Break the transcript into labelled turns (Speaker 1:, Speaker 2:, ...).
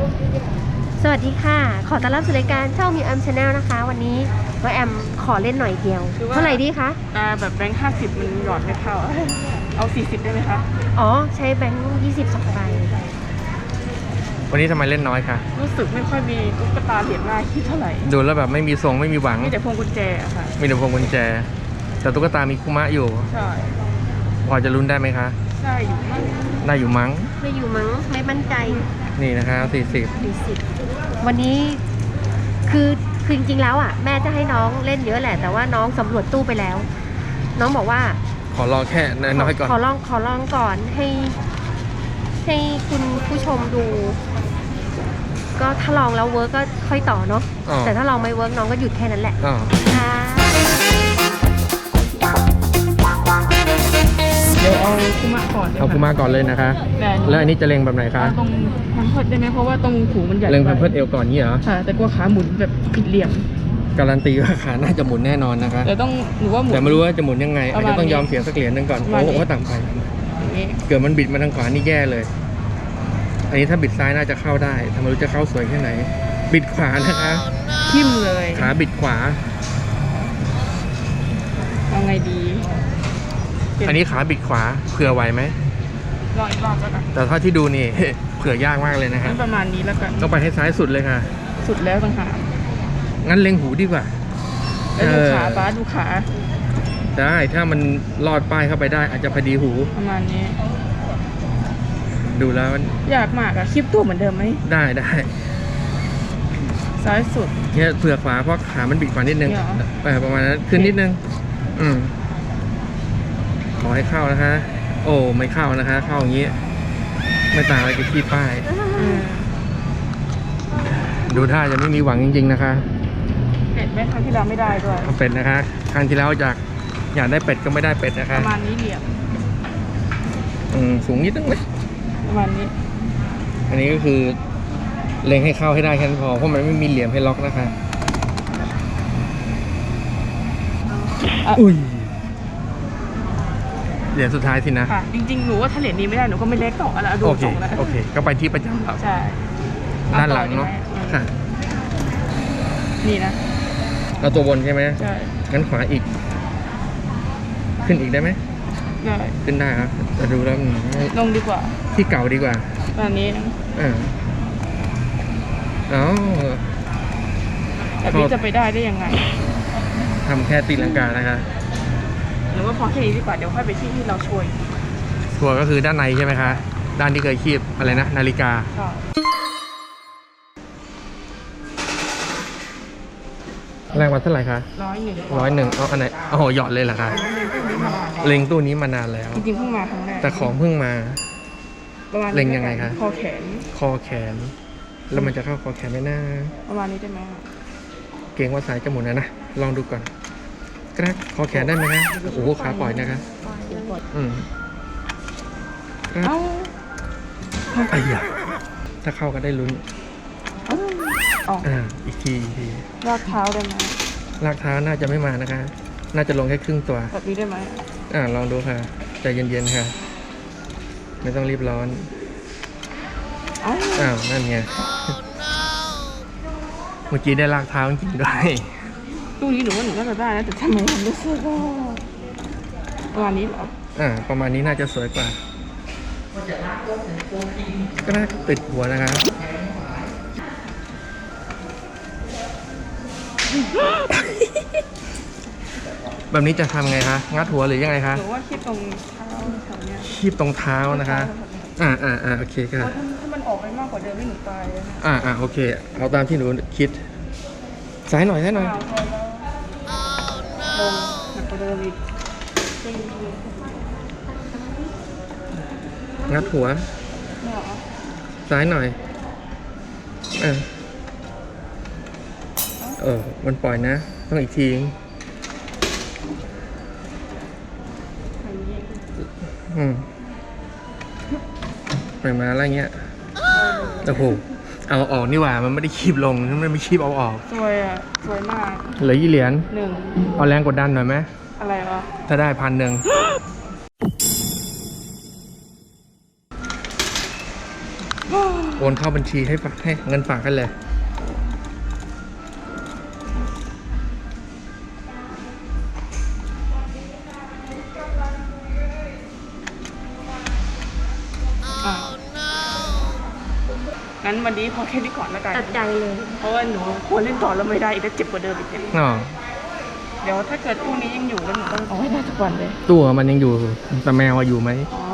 Speaker 1: สวัสดีค่ะขอต้อนรับสู่รายการช่องมิวแอมชาแนลนะคะวันนี้ว่าแอมขอเล่นหน่อยเดียวเท่าไหร่ดีคะ
Speaker 2: แบบแบงค์50มันหยอดไม่เข้าเอา40ได้ไหมคะ
Speaker 1: อ๋อใช้แบงค์22ใบ
Speaker 3: วันนี้ทำไมเล่นน้อยคะ
Speaker 2: รู้สึกไม่ค่อยมีตุ๊กตาเหรียญหน้าคิดเท่าไหร่
Speaker 3: ดูแล้วแบบไม่มีทรงไม่มีหวัง
Speaker 2: มีแต่พวงกุญแจอะค่ะ
Speaker 3: มีแต่พวงกุญแจแต่ตุ๊กตามีคุมะอยู่
Speaker 2: ใช่
Speaker 3: พอจะลุ้นได้ไหมคะ
Speaker 2: ได้อยู่มั้ง
Speaker 3: ได้อยู่มั้ง
Speaker 1: ไม่มั่นใจ
Speaker 3: นี่นะคะ40
Speaker 1: วันนี้คือจริงๆแล้วอ่ะแม่จะให้น้องเล่นเยอะแหละแต่ว่าน้องสำรวจตู้ไปแล้วน้องบอกว่า
Speaker 3: ขอลองแค่น้อยก่อน
Speaker 1: ขอลองก่อนให้คุณผู้ชมดูก็ถ้าลองแล้วเวิร์กก็ค่อยต่อเนาะแต่ถ้าลองไม่เวิร์กน้องก็หยุดแค่นั้นแหละค่ะ
Speaker 2: เดี๋ยวเอาคุมะก่อน
Speaker 3: เอาคุมะก่อนเลยนะคะแล้วอันนี้จะเล็งแบบไหนคะ
Speaker 2: ตรงพันเพิดได้ไหมเพราะว่าตรงหูมันใหญ่
Speaker 3: เล็งพันเพิดเอวก่อนนี่เหรอ
Speaker 2: ค่ะแต่กลัวขาหมุนแบบผิดเหลี่ยม
Speaker 3: การันตีว่าขาน่าจะหมุนแน่นอนนะคะ
Speaker 2: แต่ต้องหนูว่าหมุน
Speaker 3: แต่ไม่รู้ว่าจะหมุนยังไงอาจจะต้องยอมเสียสักเหรียญนึงก่อนโอ้โหต่ำไปเกิดมันบิดมาทางขวานี่แย่เลยอันนี้ถ้าบิดซ้ายน่าจะเข้าได้ทำไมรู้จะเข้าสวยแค่ไหนบิดขวานะคะ
Speaker 2: ทิ่มเลย
Speaker 3: ขาบิดขวา
Speaker 2: เอาไงดี
Speaker 3: อันนี้ขาบิดขวาเผื่อไหวไหม
Speaker 2: รออีกรอบแล้วกัน
Speaker 3: แต่ถ้าที่ดูนี่เผื่อยากมากเลยนะครับ
Speaker 2: ประมาณนี้แล้วกัน
Speaker 3: ต้องไปให้ซ้ายสุดเลยค่ะ
Speaker 2: สุดแล้วต่างหาก
Speaker 3: งั้นเล็งหูดีกว่า
Speaker 2: แล้วดูขาป้าดูขา
Speaker 3: ได้ถ้ามันลอดป้ายเข้าไปได้อาจจะพอดีหู
Speaker 2: ประมาณนี้
Speaker 3: ดูแล้ว
Speaker 2: ยากมากอะคลิปตัวเหมือนเดิมไหม
Speaker 3: ได้
Speaker 2: ซ้ายสุด
Speaker 3: เนี่ยเผื่อขวาเพราะขามันบิดขวานิดนึงประมาณนั้นขึ้นนิดนึงขอให้เข้านะคะโอ้ไม่เข้านะคะเข้าอย่างนี้ไม่ต่างอะไรกับที่ป้ายดูท่าจะไม่มีหวังจริงๆนะคะ
Speaker 2: เป็ดแม่ครั้งที่แล้วไม่ได้ด้วย
Speaker 3: เป็ดนะคะครั้งที่แล้วอยากได้เป็ดก็ไม่ได้เป็ดนะคะ
Speaker 2: ประมาณนี้เหลี่ยม
Speaker 3: สูงนิดนึงไหม
Speaker 2: ประมาณนี้
Speaker 3: อันนี้ก็คือเล็งให้เข้าให้ได้แค่นั้นพอเพราะมันไม่มีเหลี่ยมให้ล็อกนะคะอุ้ยเหรียญสุดท้ายสินะ
Speaker 2: ค่ะจริงๆหนูว่าถ้าเหรียญนี้ไม่ได้หนูก็ไม่เล็กต่อแล้วดูส่งแล้ว
Speaker 3: โอเคก็ไปที่ประจำเรา
Speaker 2: ใช่
Speaker 3: ด้านหลังเนาะค่ะ
Speaker 2: นี่นะ
Speaker 3: เอาตัวบนใช่ไหม
Speaker 2: ใช่
Speaker 3: งั้นขวาอีกขึ้นอีกได้ไหม
Speaker 2: ได้
Speaker 3: ขึ้นได้ครับจะดูแล้ว
Speaker 2: ลงดีกว่า
Speaker 3: ที่เก่าดีกว่า
Speaker 2: แบบนี้แบบนี้จะไปได้ยังไง
Speaker 3: ทำแค่ตีลังกานะคะ
Speaker 2: หรือว่าพอแค่นี้ดีกว่าเดี๋ยวค่อยไปที่เราช่วย
Speaker 3: ชัวร์ก็คือด้านในใช่ไหมคะด้านที่เคยคีบอะไรนะนาฬิกาแรงวัดเท่าไหร่คะ101เอาอันไหนเอาหยอดเลยเหรอคะเล็งตู้นี้มานานแล้ว
Speaker 2: จริงๆเพิ่งมาครั้งแรก
Speaker 3: แต่ของเพิ่งมาเล็งยังไงคะ
Speaker 2: คอแขน
Speaker 3: แล้วมันจะเข้าคอแขนไหมนะ
Speaker 2: ประมาณนี้ได้ไหม
Speaker 3: เกรงว่าสายจะหมุนนะลองดูก่อนกระคอแขนได้ไหมคะโอ้โหขาปล่อยนะคะไอ้ยาถ้าเข้าก็ได้ลุ้นอีกที
Speaker 2: ลากเท้าได้ไหม
Speaker 3: ลากเท้าน่าจะไม่มานะคะน่าจะลงแค่ครึ่งตัว
Speaker 2: แบบนี้ได้ไหม
Speaker 3: ลองดูค่ะใจเย็นๆค่ะไม่ต้องรีบร้อนนั่นไงเมื่อกี้ได้ลากเท้าจริงๆด้วย
Speaker 2: ตู้นี้หนูว่าหนูน่าจะได้นะแต่ทำไมผมรู้สึกว่าประมาณนี้เหรอ
Speaker 3: ประมาณนี้น่าจะสวยกว่าก็น่าติดหัวนะคะแบบนี้จะทำไงคะงัดหัวหรือยังไงคะ
Speaker 2: หรือว่าคีบตรงเท้าแถวเนี้ย
Speaker 3: คีบตรงเท้านะคะโอเคค่ะ
Speaker 2: ถ้ามันออกไปมากกว่าเดิมไม่หนูตายเลย
Speaker 3: โอเคเอาตามที่หนูคิดซ้ายหน่อยลงหนัก
Speaker 2: กว่าเดิมอีก
Speaker 3: งัดหัวซ้ายหน่อยมันปล่อยนะต้องอีกทีปล่อยมาอะไรเงี้ยโอ้โหเอาออกนี่หว่ามันไม่ได้คีบลงมันไม่คีบเอาออก
Speaker 2: สวยมาก
Speaker 3: เหลือกี่เหรียญ
Speaker 2: 1
Speaker 3: เอาแรงกดดันหน่อยไหม
Speaker 2: อะไรวะ
Speaker 3: ถ้าได้1,000 โอนเข้าบัญชีให้เงินฝากกันเลย
Speaker 2: งั้นวันนี้พอแค่นี้ก่อนแล้วกัน
Speaker 1: ตัดใจเลย
Speaker 2: เพราะว่าหนูควรเล่นต่อแล้วไม่ได้อีกแล้วเจ็บกว่าเดิมอีกเนี่ย
Speaker 3: อ๋อ
Speaker 2: เดี๋ยวถ้าเกิดตู้นี้ยังอยู่แล้วหนูต้องเอาให้ได้ทุกวันเลย
Speaker 3: ตัวมันยังอยู่แต่แมวอยู่ไหม
Speaker 2: อ๋อ